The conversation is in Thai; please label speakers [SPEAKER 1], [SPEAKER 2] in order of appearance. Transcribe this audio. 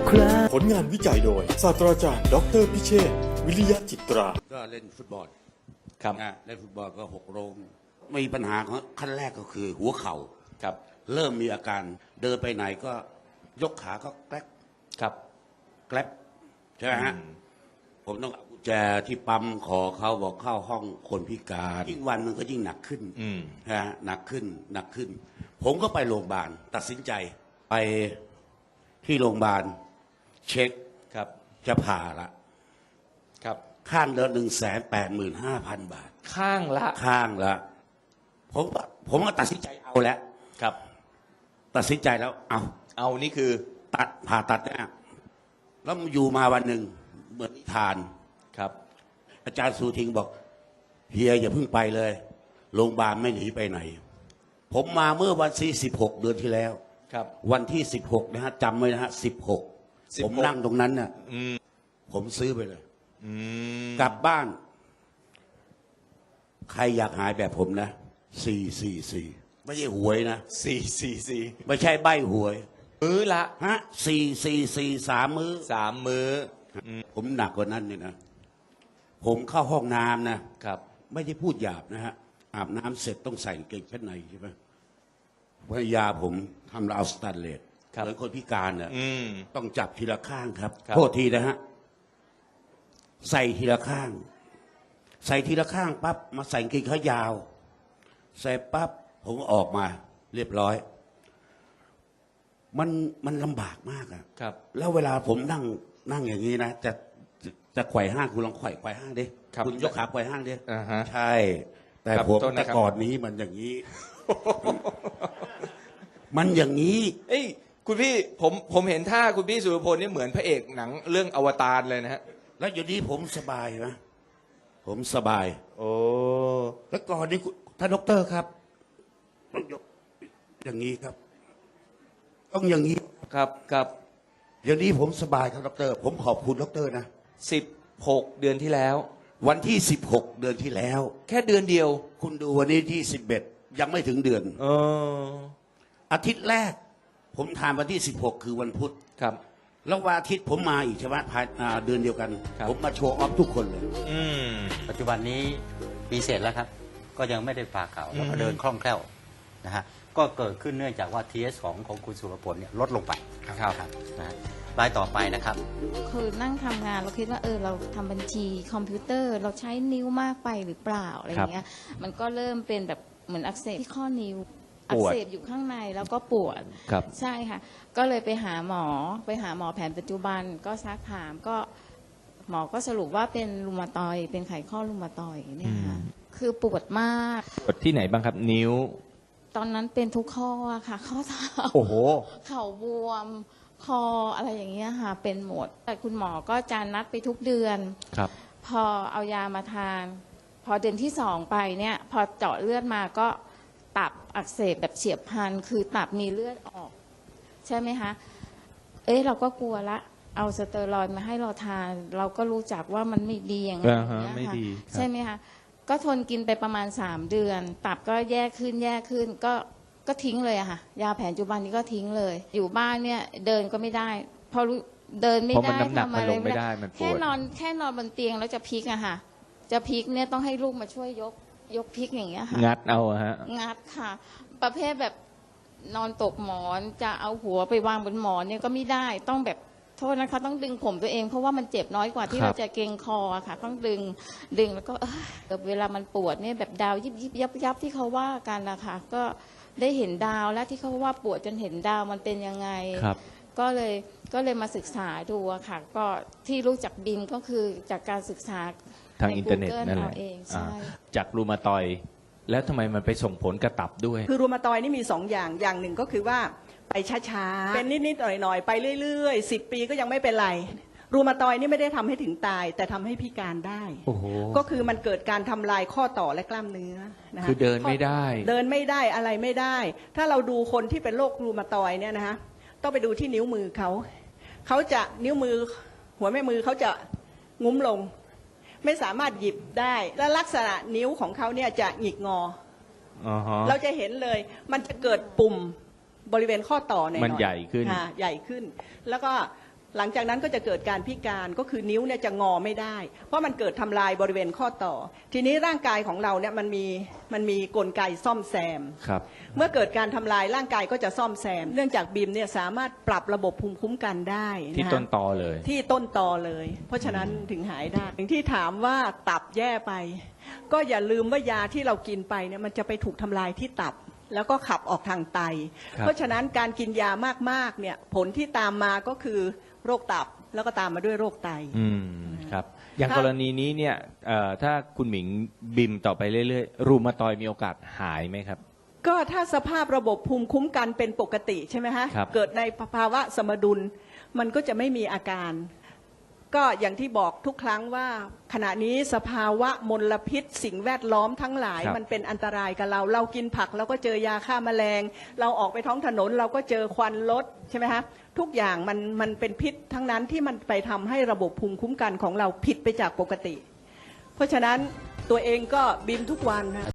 [SPEAKER 1] ครา
[SPEAKER 2] ผลงานวิจัยโดยศาสตราจารย์ดออเตอร์พิเชษฐ์วิริยะจิตรา
[SPEAKER 3] ก็เล่นฟุตบอล
[SPEAKER 4] ครับ
[SPEAKER 3] เล่นฟุตบอลก็6 โรงมีปัญหาของขั้นแรกก็คือหัวเข่า
[SPEAKER 4] ครับ
[SPEAKER 3] เริ่มมีอาการเดินไปไหนก็ยกขาก็แกลบ
[SPEAKER 4] ครับ
[SPEAKER 3] แกลบใช่ไหมฮะผมต้องเอากุญแจที่ปั๊มขอเขาบอกเข้าห้องคนพิการยิ่งวันมันก็ยิ่งหนักขึ้นนะฮะหนักขึ้นหนักขึ้น ผมก็ไปโรงพยาบาลตัดสินใจไปที่โรงพยาบาลเช็ค
[SPEAKER 4] ครับ
[SPEAKER 3] จะผ่าละ
[SPEAKER 4] ครับ
[SPEAKER 3] ข้างเดือน185,000 บาท
[SPEAKER 4] ข้างละ
[SPEAKER 3] ข้างละผมก็ตัดสินใจเอาแล้ว
[SPEAKER 4] ครับ
[SPEAKER 3] ตัดสินใจแล้วเอา
[SPEAKER 4] เอานี่คือ
[SPEAKER 3] ตัดผ่าตัดเนี่ยแล้วอยู่มาวันหนึ่งเหมือนนิทาน
[SPEAKER 4] ครับ
[SPEAKER 3] อาจารย์สูทิงบอกเฮียอย่าเพิ่งไปเลยโรงพยาบาลไม่หนีไปไหน ผมมาเมื่อวันที่16 เดือนที่แล้ว
[SPEAKER 4] ครับ
[SPEAKER 3] วันที่16นะฮะจำไว้นะฮะ16ผมนั่งตรงนั้นน่ะผมซื้อไปเลยกลับบ้าน ใครอยากหายแบบผมนะ444ไม่ใช่หวยนะ
[SPEAKER 4] 444
[SPEAKER 3] ไม่ใช่ใบหวย
[SPEAKER 4] มื้อละ
[SPEAKER 3] ฮะ444 3 มื้อ
[SPEAKER 4] 3 มื้อ
[SPEAKER 3] ผมหนักกว่านั้นเนี่ยนะผมเข้าห้องน้ำนะครับ ไม่ได้พูดหยาบนะฮะอาบน้ำเสร็จต้องใส่กางเกงชั้นในใช่ไหมภรรยาผมทำราวสแตนเลส
[SPEAKER 4] ครับ
[SPEAKER 3] เหมือนคนพิการน่ะต้องจับทีละข้างครับ
[SPEAKER 4] ครับ
[SPEAKER 3] โทษทีนะฮะใส่ทีละข้าง ใส่ทีละข้างปั๊บมาใส่กางเกงขายาว ใส่ปั๊บผมก็ออกมา เรียบร้อย มันลำบากมากอะ
[SPEAKER 4] ครับ
[SPEAKER 3] แล้วเวลาผมนั่งอย่างนี้นะจะไขว่ห้างคุณลองไขว่ห้างดิ
[SPEAKER 4] ครับ
[SPEAKER 3] ณยกขาไขว่ห้างดิ
[SPEAKER 4] อ่าฮะ
[SPEAKER 3] ใช่ แต่
[SPEAKER 4] ครับ
[SPEAKER 3] ผม
[SPEAKER 4] โทษนะครับ
[SPEAKER 3] แต่ก่อนนี้มันอย่างนี้ มันอย่างนี้
[SPEAKER 4] เอ้ยคุณพี่ผมเห็นท่าคุณพี่สุรพลนี่เหมือนพระเอกหนังเรื่องอวตารเลยนะฮะ
[SPEAKER 3] แล้วอยู่นี้ผมสบายนะผมสบาย
[SPEAKER 4] โอ้
[SPEAKER 3] แล้วก่อนนี้ท่านดรครับต้องยกอย่างนี้ครับ ต้องอย่างนี้
[SPEAKER 4] ครับครับ
[SPEAKER 3] อย่างนี้ผมสบายครับดรผมขอบคุณดรนะ
[SPEAKER 4] 16 เดือนที่แล้ว
[SPEAKER 3] วันที่16 เดือนที่แล้ว
[SPEAKER 4] แค่เดือนเดียว
[SPEAKER 3] คุณดูวันนี้ที่11ยังไม่ถึงเดือน
[SPEAKER 4] เออ
[SPEAKER 3] อาทิตย์แรก ผมทานวันที่16คือวันพุธ
[SPEAKER 4] ครับ
[SPEAKER 3] แล้ววันอาทิตย์ผมมาอีกใช่ไหมภายเดือนเดียวกัน
[SPEAKER 4] ครับ
[SPEAKER 3] ผมมาโชว์ออฟทุกคนเลย
[SPEAKER 4] อืม
[SPEAKER 5] ปัจจุบันนี้ปีเสร็จแล้วครับ ก็ยังไม่ได้ฝากเขาแล้วก็เดินคล่องแคล่วนะฮะก็เกิดขึ้นเนื่องจากว่า TS ของคุณสุรพลเนี่ยลดลงไป
[SPEAKER 4] ครับ
[SPEAKER 5] นะฮะรายต่อไปนะครับ
[SPEAKER 6] คือนั่งทำงานเราคิดว่าเราทำบัญชีคอมพิวเตอร์เราใช้นิ้วมากไปหรือเปล่าอะไรอย่างเงี้ยมันก็เริ่มเป็นแบบเหมือนอักเสบที่ข้อนิ้วอักเสบอยู่ข้างในแล้วก็ปวด
[SPEAKER 4] ครับ
[SPEAKER 6] ใช่ค่ะ ก็เลยไปหาหมอแผนปัจจุบันก็ซักถามก็หมอก็สรุปว่าเป็นรูมาตอยด์เป็นไขข้อรูมาตอยด์เนี่ยค่ะคือปวดมาก
[SPEAKER 4] ปวดที่ไหนบ้างครับ นิ้ว
[SPEAKER 6] ตอนนั้นเป็นทุกข้ออะค่ะ ข้อเท้า
[SPEAKER 4] โอ้โห
[SPEAKER 6] เข่าบวม คออะไรอย่างเงี้ยค่ะ เป็นหมด แต่คุณหมอก็จะนัดไปทุกเดือน
[SPEAKER 4] ครับ
[SPEAKER 6] พอเอายามาทาน พอเดือนที่2ไปเนี่ย พอเจาะเลือดมาก็ตับอักเสบแบบเฉียบพลัน คือตับมีเลือดออก ใช่ไหมคะ เราก็กลัวละ เอาสเตียรอยด์มาให้เราทาน เราก็รู้จักว่ามันไม่ดีอย่างนี้
[SPEAKER 4] อ่าฮะ
[SPEAKER 6] ยค่ะ
[SPEAKER 4] ไม่ดีครับ
[SPEAKER 6] ใช่ไหมคะ ก็ทนกินไปประมาณ3 เดือน ตับก็แย่ขึ้นก็ทิ้งเลยอะค่ะ ยาแผนปัจจุบันนี้ก็ทิ้งเลย อยู่บ้านเนี่ยเดินก็ไม่ได้พอรู้เดินไม่
[SPEAKER 4] เพราะมัน
[SPEAKER 6] ได้
[SPEAKER 4] น้ำหนัก
[SPEAKER 6] ทำ
[SPEAKER 4] มัน
[SPEAKER 6] อะไร
[SPEAKER 4] ลงไม่ได้มันปวด
[SPEAKER 6] แค่นอนบนเตียงแล้วจะพลิกอะค่ะ จะพลิกเนี่ยต้องให้ลูกมาช่วยยกพลิกอย่างเงี้ยค่ะ
[SPEAKER 4] งัดเอาอะฮะ
[SPEAKER 6] งัดค่ะ ประเภทแบบนอนตกหมอนจะเอาหัวไปวางบนหมอนเนี่ยก็ไม่ได้ต้องแบบโทษนะคะต้องดึงผมตัวเองเพราะว่ามันเจ็บน้อยกว่าที่
[SPEAKER 4] ครับ
[SPEAKER 6] เราจะเกรงคออะค่ะ ต้องดึงแล้วก็เวลามันปวดเนี่ยแบบดาวยิบที่เขาว่ากันนะคะก็ได้เห็นดาวแล้วที่เขาว่าปวดจนเห็นดาวมันเป็นยังไง
[SPEAKER 4] ครับ
[SPEAKER 6] ก็เลยมาศึกษาดูอะค่ะ ก็ที่รู้จักบิมก็คือจากการศึกษา
[SPEAKER 4] ทางอินเทอร์เน็ต
[SPEAKER 6] Google
[SPEAKER 4] นั่นแหละ
[SPEAKER 6] เอาเองใช่
[SPEAKER 4] จากรูมาตอยด์แล้วทำไมมันไปส่งผลกระตับด้วย
[SPEAKER 7] คือรูมาตอยด์นี่มี2 อย่างอย่างหนึ่งก็คือว่าไปช้าๆ เป็นนิดๆหน่อยๆ ไปเรื่อยๆ10 ปีก็ยังไม่เป็นไร รูมาตอยด์นี่ไม่ได้ทำให้ถึงตาย แต่ทำให้พิการได้
[SPEAKER 4] โอ้โห
[SPEAKER 7] ก็คือมันเกิดการทำลายข้อต่อและกล้ามเนื้อนะฮะ
[SPEAKER 4] คือเดินไม่ได้
[SPEAKER 7] เดินไม่ได้อะไรไม่ได้ ถ้าเราดูคนที่เป็นโรครูมาตอยด์เนี่ยนะฮะต้องไปดูที่นิ้วมือเขาจะนิ้วมือหัวแม่มือเขาจะงุ้มลง ไม่สามารถหยิบได้ และลักษณะนิ้วของเขาเนี่ยจะหงิกงอ
[SPEAKER 4] อ๋อฮะ
[SPEAKER 7] เราจะเห็นเลยมันจะเกิดปุ่มบริเวณข้อต่อหน่อยๆ
[SPEAKER 4] มันใหญ่ขึ้น
[SPEAKER 7] ค่ะใหญ่ขึ้น แล้วก็หลังจากนั้นก็จะเกิดการพิการก็คือนิ้วเนี่ยจะงอไม่ได้ เพราะมันเกิดทำลายบริเวณข้อต่อ ทีนี้ร่างกายของเราเนี่ยมันมีกลไกซ่อมแซม
[SPEAKER 4] ครับ
[SPEAKER 7] เมื่อเกิดการทำลายร่างกายก็จะซ่อมแซม เนื่องจากบีมเนี่ยสามารถปรับระบบภูมิคุ้มกันได้ะ
[SPEAKER 4] ที่ต้นตอเลย
[SPEAKER 7] ที่ต้นตอเลย เพราะฉะนั้นถึงหายได้อย่างที่ถามว่าตับแย่ไป ก็อย่าลืมว่ายาที่เรากินไปเนี่ยมันจะไปถูกทำลายที่ตับ แล้วก็ขับออกทางไต
[SPEAKER 4] ครับ
[SPEAKER 7] เพราะฉะนั้นการกินยามากๆเนี่ยผลที่ตามมาก็คือโรคตับแล้วก็ตามมาด้วยโรคไต
[SPEAKER 4] ครับ อย่าง
[SPEAKER 7] ถ้า
[SPEAKER 4] กรณีนี้เนี่ยถ้าคุณหมิงบิมต่อไปเรื่อยๆรูมาตอยด์มีโอกาสหายไหมครับ
[SPEAKER 7] ก็ถ้าสภาพระบบภูมิคุ้มกันเป็นปกติใช่ไหมฮะ
[SPEAKER 4] ครับ
[SPEAKER 7] เกิดในภาวะสมดุลมันก็จะไม่มีอาการ ก็อย่างที่บอกทุกครั้งว่าขณะนี้สภาวะมลพิษสิ่งแวดล้อมทั้งหลาย
[SPEAKER 4] ครับ
[SPEAKER 7] มันเป็นอันตรายกับเราเรากินผักเราก็เจอยาฆ่าแมลง เราออกไปท้องถนนเราก็เจอควันรถใช่ไหมฮะทุกอย่างมันเป็นพิษทั้งนั้นที่มันไปทำให้ระบบภูมิคุ้มกันของเราผิดไปจากปกติ เพราะฉะนั้นตัวเองก็บิมทุกวันนะ